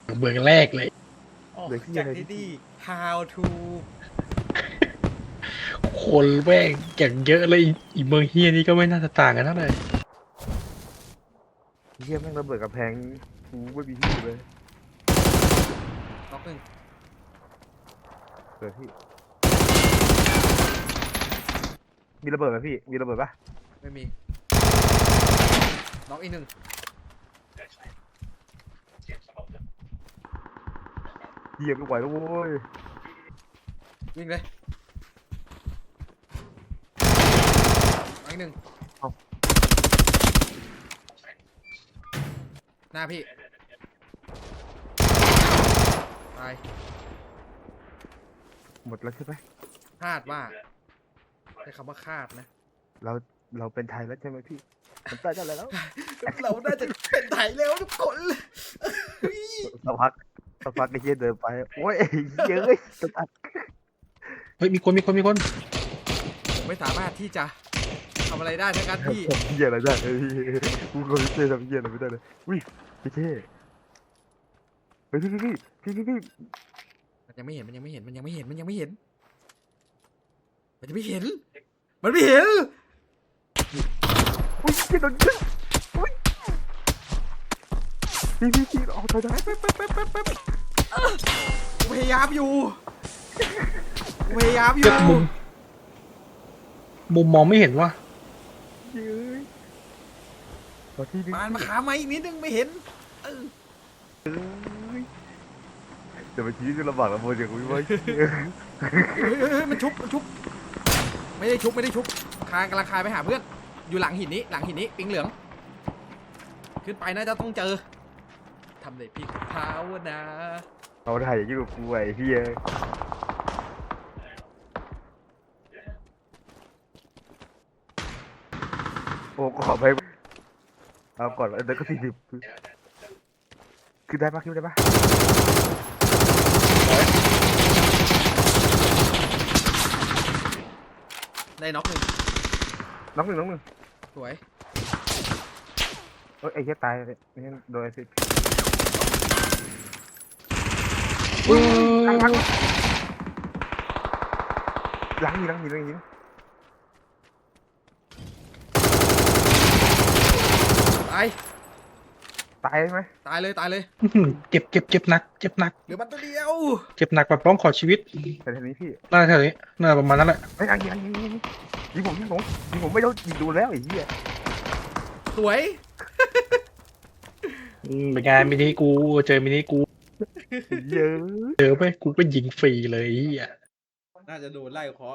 เมืองแรกเลยออกเหลือที่จากอะไรที่ที่นี่ how to คนแม่งอย่างเยอะเลยอีเมืองเฮียนี่ก็ไม่น่าจะต่างกันเท่าไหร่เฮียแม่งระเบิดกระแพงกูไม่มีที่อยู่เลยน็อกหนึ่งเกิดพี่มีระเบิดไหมพี่มีระเบิดปะไม่มีน็อกอีกหนึ่งเฮียไม่ไหวแล้วโว้ยวิ่งเลยน็อกอีกหนึ่งหน้าพี่ตายหมดแล้วใช่ไหมคาดว่าใช้คำว่าคาดนะเราเราเป็นไทยแล้วใช่ไหมพี่มันใต้ได้แล้วเราน่าจะเป็นไทยแล้วทุกคนสักพักไอ้เฮียเดินไปโอ้ยเยอะเลยสักพักเฮ้ยมีคนผมไม่สามารถที่จะทำอะไรได้ทั้งนั้นพี่เฮียอะไรได้กูก็ไม่เท่ทำเฮียอะไรไม่ได้เลยอุ้ยพี่เท่เฮ้ยพี่มันยังไม่เห็นมันจะไม่เห็นมันจะไม่เห็นมันไม่เห็นมันไม่เห็นอุ้ยเฮียโดนยิงอุ้ยพี่เอาถอยได้แป๊บกูพยายามอยู่เจ็บมุมมองไม่เห็นว่าเย้ยขอที่นึงมาขามาอีกนิดนึงไม่เห็นแต่เมื่อกี้ก็ลำบากลำบนอย่างกูว่าเฮ้ยมันชุบไม่ได้ชุบคานกำลังคายไปหาเพื่อนอยู่หลังหินนี้ปิงเหลืองขึ้นไปน่าจะต้องเจอทำเลยพี่ภาวนาเอาถ่ายอย่างนี้กับกูไอ้พี่โอ้ขอไปเอาก่อนเดี๋ยวก็40ขึ้นได้ปะได้น็อกหนึ่งน้องหนึ่งสวยเอ้ยไอ้เหี้ยตายเลยนี่โดนไอ้สิเออหลังหินตายตายไหมตายเลยเจ็บหนักเหลือมันตัวเดียวเจ็บหนักแบบร้องขอชีวิตแต่ทีนี้พี่น่าแถวนี้น่าประมาณนั้นแหละไอ้ยิงผมไม่โดนยิงดูแล้วไอ้เหี้ยสวยเป็นไงมินิกูเจอมินิกูเยอะเจอไปกูก็ยิงฟรีเลยไอ้เหี้ยน่าจะโดนไล่คอ